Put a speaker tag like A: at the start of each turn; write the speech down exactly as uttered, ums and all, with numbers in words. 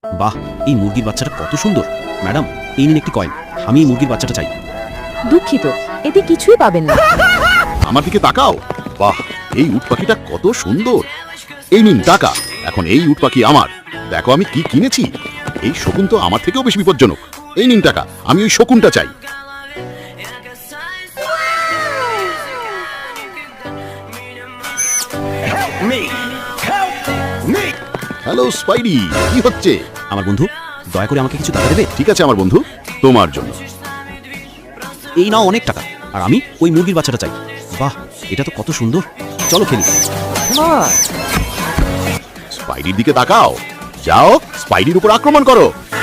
A: বাহ, এই মুরগির বাচ্চাটা কত সুন্দর। ম্যাডাম, এই নিন একটি কয়েন। আমি এই মুরগির বাচ্চাটা চাই।
B: দুঃখিত, এতে কিছুই পাবেন না।
C: আমার দিকে তাকাও। বাহ, এই উট পাখিটা কত সুন্দর। এই নিন টাকা। এখন এই উট পাখি আমার। দেখো আমি কি কিনেছি। এই শকুন তো আমার থেকেও বেশি বিপজ্জনক। এই নিন টাকা, আমি ওই শকুনটা চাই। হ্যালো স্পাইডি, কি হচ্ছে?
A: আমার বন্ধু, দয়া করে আমাকে কিছু টাকা দেবে?
C: ঠিক আছে আমার বন্ধু, তোমার জন্য।
A: এই নাও অনেক টাকা, আর আমি ওই মুরগির বাচ্চাটা চাই। বাহ, এটা তো কত সুন্দর। চলো খেলি।
C: স্পাইডির দিকে তাকাও। যাও, স্পাইডির উপর আক্রমণ করো।